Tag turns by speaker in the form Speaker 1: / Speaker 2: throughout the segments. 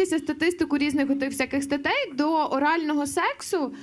Speaker 1: подивитися статистику різних отих всяких статей, до орального сексу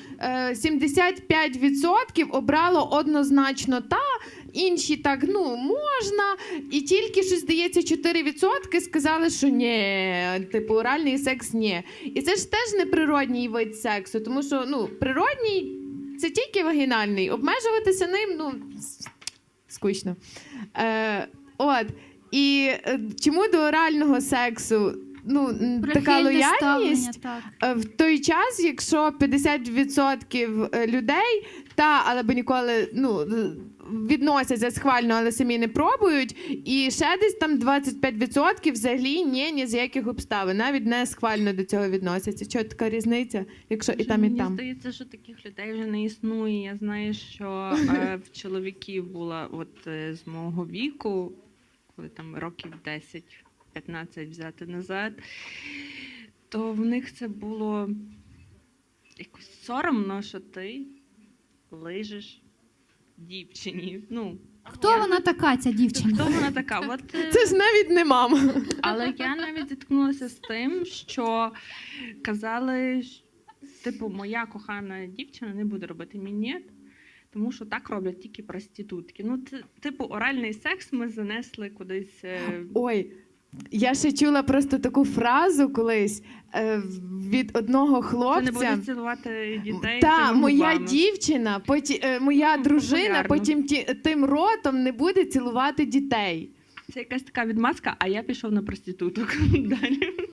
Speaker 1: 75% обрало однозначно та, інші так, ну, можна, і тільки, що здається, 4% сказали, що ні, типу, оральний секс ні. І це ж теж неприродній вид сексу, тому що, ну, природній – це тільки вагінальний, обмежуватися ним, ну, скучно. От. І чому до орального сексу така лояльність? В той час, якщо 50% людей, але б ніколи відносяться схвально, але самі не пробують, і ще десь там 25% взагалі ні з яких обставин, навіть не схвально до цього відносяться. Чого така різниця, якщо і там, і там?
Speaker 2: Мені здається, що таких людей вже не існує. Я знаю, що в чоловіків була з мого віку, коли там років 10-15 взяти назад, то в них це було якось соромно, що ти лижеш дівчині.
Speaker 3: Хто вона така, ця дівчинка?
Speaker 2: Хто вона така?
Speaker 1: Це ж навіть не мама.
Speaker 2: Але я навіть зіткнулася з тим, що казали, типу, моя кохана дівчина не буде робити мінет, тому що так роблять тільки проститутки. Типу, оральний секс ми занесли кудись.
Speaker 1: Ой, я ще чула просто таку фразу колись від одного хлопця.
Speaker 2: Це не буде цілувати дітей.
Speaker 1: Так, моя дівчина, моя дружина потім тим ротом не буде цілувати дітей.
Speaker 2: Це якась така відмазка, а я пішов на проституток далі.